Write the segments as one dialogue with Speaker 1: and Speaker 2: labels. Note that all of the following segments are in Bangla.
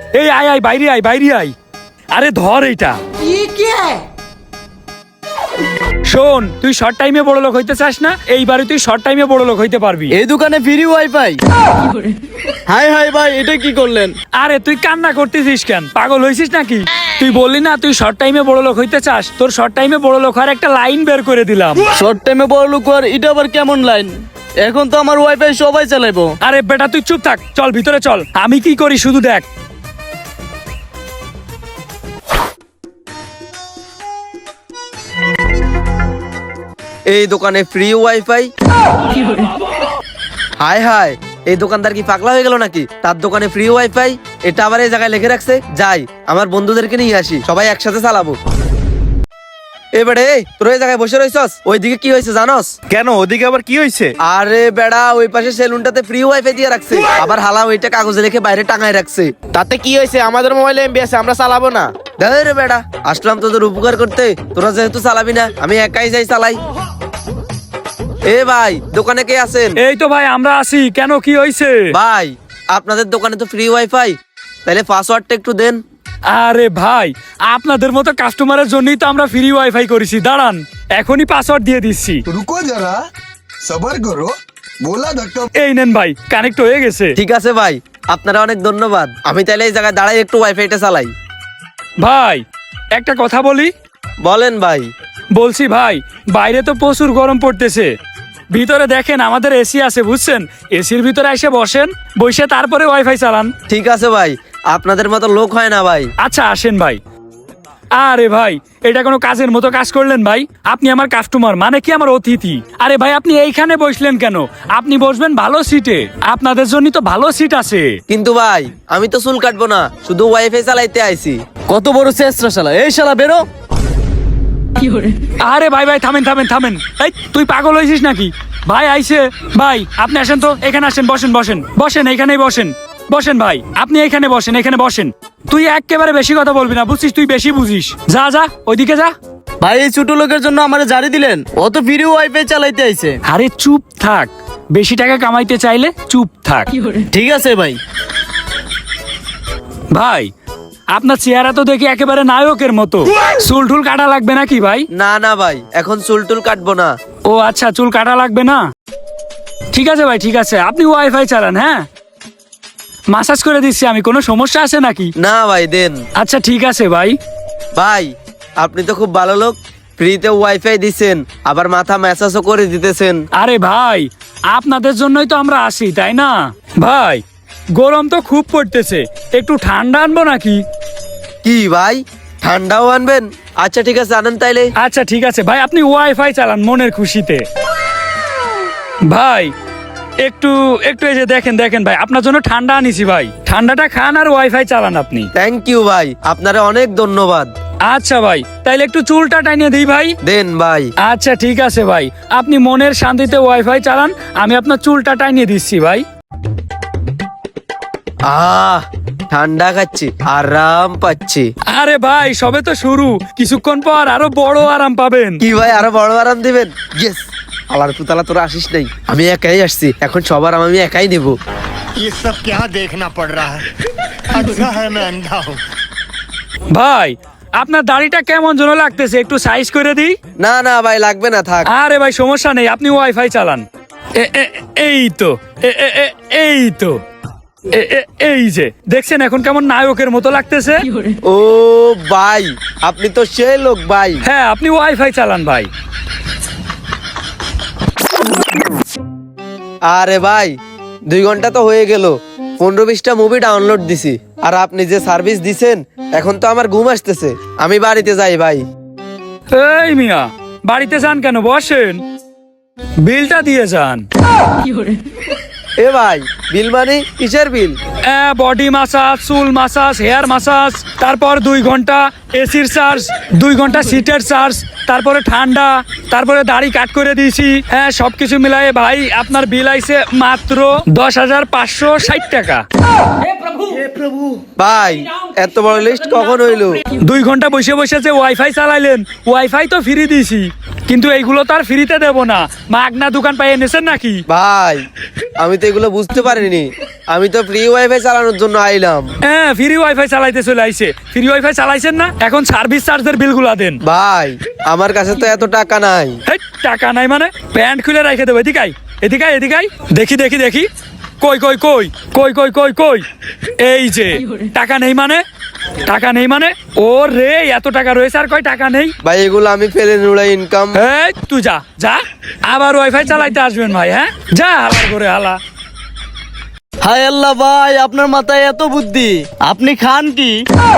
Speaker 1: এই আয় আয় বাইরে আয় বাইরে আয়। আরে ধর এইটা। শোন, তুই শর্ট টাইমে বড় লোক হইতে চাস না, এইবারে তুই শর্ট টাইমে বড় লোক হইতে পারবি।
Speaker 2: এই দোকানে ফ্রি ওয়াইফাই? হাই হাই ভাই, এটা কি করলেন?
Speaker 1: আরে তুই কান্না করতেছিস কেন? পাগল হইছিস নাকি? তুই বললি না তুই শর্ট টাইমে বড় লোক হইতে চাস, তোর শর্ট টাইমে বড় লোক হওয়ার একটা লাইন বের করে দিলাম।
Speaker 2: শর্ট টাইমে বড় লোক আর এটা আবার কেমন লাইন? এখন তো আমার ওয়াইফাই সবাই চালাইবো।
Speaker 1: আরে বেটা তুই চুপ থাক, চল ভিতরে চল, আমি কি করি শুধু দেখ।
Speaker 3: এই দোকানে ফ্রি ওয়াইফাই? হায় হায়, এই দোকানদার কি পাগলা হয়ে গেল নাকি? তার দোকানে ফ্রি ওয়াইফাই, এটা আবার এই জায়গায় লিখে রাখছে। যাই আমার বন্ধুদেরকে নিয়ে আসি, সবাই একসাথে চালাবো। এ বেড়ে, তোর এই জায়গায় বসে রইছস, ওইদিকে কি হয়েছে জানোস?
Speaker 4: কেন, ওদিকে আবার কি হয়েছে?
Speaker 3: আরে বেড়া, ওই পাশে সেলুনটাতে ফ্রি ওয়াইফাই দিয়ে রাখছে, আবার হালা ওইটা কাগজে লিখে বাইরে টাঙায় রাখছে।
Speaker 4: তাতে কি হয়েছে? আমাদের মোবাইলে এমবি আছে, আমরা চালাবো না।
Speaker 3: রে বেড়া, আসলাম তোদের উপকার করতে, তোরা যেহেতু চালাবি না আমি একাই যাই চালাই। এ ভাই, দোকানে কে আছেন?
Speaker 1: এই তো ভাই আমরা আছি, কেন কি হইছে?
Speaker 3: ভাই আপনাদের দোকানে তো ফ্রি ওয়াইফাই, তাহলে পাসওয়ার্ডটা একটু দেন।
Speaker 1: আরে ভাই, আপনাদের মতো কাস্টমারের জন্যই তো আমরা ফ্রি ওয়াইফাই করেছি, দাঁড়ান এখনই পাসওয়ার্ড দিয়ে দিচ্ছি।
Speaker 5: रुको जरा सबर करो बोला धक्का।
Speaker 1: এই নেন ভাই, কানেক্ট হয়ে গেছে।
Speaker 3: ঠিক আছে ভাই, আপনারা অনেক ধন্যবাদ। আমি তাহলে এই জায়গায় দাঁড়াই একটু ওয়াইফাইটা চালাই।
Speaker 1: ভাই একটা কথা বলি।
Speaker 3: বলেন ভাই।
Speaker 1: বলছি ভাই, বাইরে তো প্রচুর গরম পড়তেছে, ভিতরে দেখেন আমাদের এসি আছে বুঝছেন, এসির ভিতরে এসে বসেন, বসে তারপরে ওয়াইফাই চালান।
Speaker 3: ঠিক আছে ভাই, আপনাদের মতো লোক হয় না ভাই।
Speaker 1: আচ্ছা আসেন ভাই। আরে ভাই, এটা কোনো কাজের মতো কাজ করলেন ভাই? আপনি আমার কাস্টমার, মানে কি আমার অতিথি। আরে ভাই আপনি এইখানে বসলেন কেন? আপনি বসবেন ভালো সিটে, আপনাদের জন্য তো ভালো সিট আছে।
Speaker 3: কিন্তু ভাই আমি তো চুল কাটবো না, শুধু ওয়াইফাই চালাইতে আইছি।
Speaker 2: কত বড় চেষ্টা শালা! এই শালা বেরো।
Speaker 1: আরে ভাই ভাই থামেন থামেন থামেন, এই তুই পাগল হয়েছিস নাকি? ভাই আইছে, ভাই আপনি আসেন তো, এখানে আসেন, বসেন বসেন বসেন, এইখানেই বসেন বসেন ভাই, আপনি এইখানে বসেন, এখানে বসেন। তুই একেবারে বেশি কথা বলবি না বুঝছিস, তুই বেশি বুঝিস। যা যা ওইদিকে যা।
Speaker 2: ভাই এই ছোট লোকের জন্য আমারে জারি দিলেন? ও তো ফ্রি ওয়াইফাই চালাইতে আইছে।
Speaker 1: আরে চুপ থাক, বেশি টাকা কামাইতে চাইলে চুপ থাক।
Speaker 2: ঠিক আছে ভাই।
Speaker 1: ভাই আপনার চেহারা তো দেখি একেবারে নায়কের মতো, চুল টুল কাটা লাগবে নাকি ভাই?
Speaker 3: না না ভাই, এখন চুল টুল কাটবো না।
Speaker 1: ও আচ্ছা, চুল কাটা লাগবে না, ঠিক আছে ভাই ঠিক আছে, আপনি ওয়াইফাই চালান। হ্যাঁ মাসাজ করে দিচ্ছি আমি, কোনো সমস্যা আছে নাকি?
Speaker 3: না ভাই দেন।
Speaker 1: আচ্ছা ঠিক আছে ভাই।
Speaker 3: ভাই আপনি তো খুব ভালো লোক, ফ্রিতে ওয়াইফাই দিছেন, আবার মাথা ম্যাসাজও করে দিতেছেন।
Speaker 1: আরে ভাই আপনাদের জন্যই তো আমরা আসি, তাই না? ভাই গরম তো খুব পড়তেছে, একটু ঠান্ডা আনবো নাকি?
Speaker 3: কি ভাই, ঠান্ডাও আনবেন? আচ্ছা ঠিক আছে, আনেন তাইলে।
Speaker 1: আচ্ছা ঠিক আছে ভাই, আপনি ওয়াইফাই চালান মনের খুশিতে। ভাই একটু একটু এই যে দেখেন দেখেন ভাই, আপনার জন্য ঠান্ডা আনিছি ভাই, ঠান্ডাটা খান আর ওয়াইফাই চালান আপনি।
Speaker 3: থ্যাংক ইউ ভাই, আপনারা অনেক ধন্যবাদ।
Speaker 1: আচ্ছা ভাই, তাইলে একটু চুলটা টাইনিয়ে দিই ভাই।
Speaker 3: দেন ভাই।
Speaker 1: আচ্ছা ঠিক আছে ভাই, আপনি মনের শান্তিতে ওয়াইফাই চালান, আমি আপনার চুলটা টাইনিয়ে দিচ্ছি ভাই।
Speaker 3: ঠান্ডা খাচ্ছি, আরাম পাচ্ছি।
Speaker 1: আরে ভাই সবে তো শুরু, কিছুক্ষণ পর আরো বড় আরাম পাবেন।
Speaker 3: কি ভাই, আরো বড় আরাম দিবেন? ইয়েস। আলার পুতালা তোরা আসিস নাই, আমি একাই আসছি, এখন সবার আরাম আমি একাই নেব।
Speaker 6: ये सब क्या देखना पड़ रहा है? अच्छा है मैं अंधा हूँ।
Speaker 1: ভাই আপনার দাড়িটা কেমন যেন লাগতেছে, একটু সাইজ করে দিই?
Speaker 3: না না ভাই লাগবে না, থাক।
Speaker 1: আরে ভাই সমস্যা নেই, আপনি ওয়াইফাই চালান। এই তো এই তো এই যে দেখছেন এখন কেমন নায়কের মতো লাগতেছে।
Speaker 3: ও ভাই, আপনি তো সেই লোক ভাই।
Speaker 1: হ্যাঁ আপনি ওয়াইফাই চালান ভাই।
Speaker 3: আরে ভাই 2 ঘন্টা তো হয়ে গেল, 15-20টা মুভি ডাউনলোড দিছি, আর আপনি যে সার্ভিস দিছেন, এখন তো আমার ঘুম আসতেছে, আমি বাড়িতে যাই ভাই।
Speaker 1: এই মিয়া, বাড়িতে যান কেন? বসেন, বিলটা দিয়ে যান।
Speaker 3: এ ভাই, বিল মানে কিসের বিল?
Speaker 1: বডি মাসাজ, চুল মাসাজ, হেয়ার মাসাজ, তারপর 2 ঘন্টা এসির চার্জ, 2 ঘন্টা সিটের চার্জ, তারপরে ঠান্ডা, তারপরে দাড়ি কাট করে দিয়েছি। হ্যাঁ সবকিছু মিলাই ভাই আপনার বিল আইছে মাত্র 10,560 টাকা।
Speaker 3: ভাই এত বড় লিস্ট কখন হইলো?
Speaker 1: 2 ঘন্টা বসে বসে যে ওয়াইফাই চালাইলেন, ওয়াইফাই তো ফ্রি দিছি, কিন্তু এইগুলো তো আর ফ্রিতে দেবো না। মাগনা দোকান পাই এনেছেন নাকি?
Speaker 3: ভাই আমি তো এগুলো বুঝতে পারিনি, আমি তো ফ্রি ওয়াইফাই চালানোর জন্য আইলাম।
Speaker 1: হ্যাঁ, ফ্রি ওয়াইফাই চালাইতে চলে আইছে। ফ্রি ওয়াইফাই চালাইছেন না, এখন সার্ভিস চার্জের বিলগুলা দেন।
Speaker 3: ভাই আমার কাছে তো এত টাকা নাই।
Speaker 1: হেই, টাকা নাই মানে? প্যান্ট খুলে রেখে দেবো। এদিকাই এদিকাই এদিকাই, দেখি দেখি দেখি, কই কই কই কই কই কই কই, এই যে টাকা নেই মানে? টাকা নেই মানে? ও রে, এত টাকা রয়েছে আর কয় টাকা নেই?
Speaker 3: ভাই এগুলো আমি ফেলে নুড়াই ইনকাম।
Speaker 1: এই তুই যা যা, আবার ওয়াইফাই চালাইতে আসবেন ভাই। হ্যাঁ যা, হালার করে হালা।
Speaker 2: হায় আল্লাহ ভাই, আপনার মাথায় এত বুদ্ধি, আপনি খান কি?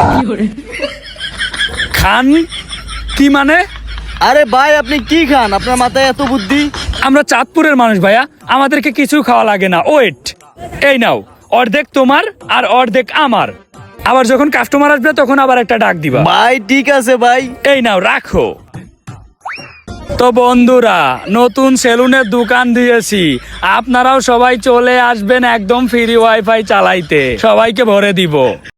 Speaker 1: খান কি মানে?
Speaker 2: আরে ভাই আপনি কি খান, আপনার মাথায় এত বুদ্ধি?
Speaker 1: আমরা চাঁদপুরের মানুষ ভাইয়া, আমাদেরকে কিছু খাওয়া লাগে না। ওয়েট, এই নাও, অর্ধেক তোমার আর অর্ধেক আমার। আবার যখন কাস্টমার আসবে তখন আবার একটা ডাক দিবা।
Speaker 2: ভাই ঠিক আছে ভাই।
Speaker 1: এই নাও, রাখো। তো বন্ধুরা, নতুন সেলুনের দোকান দিয়েছি, আপনারাও সবাই চলে আসবেন একদম ফ্রি ওয়াইফাই চালাইতে, সবাইকে ভরে দিব।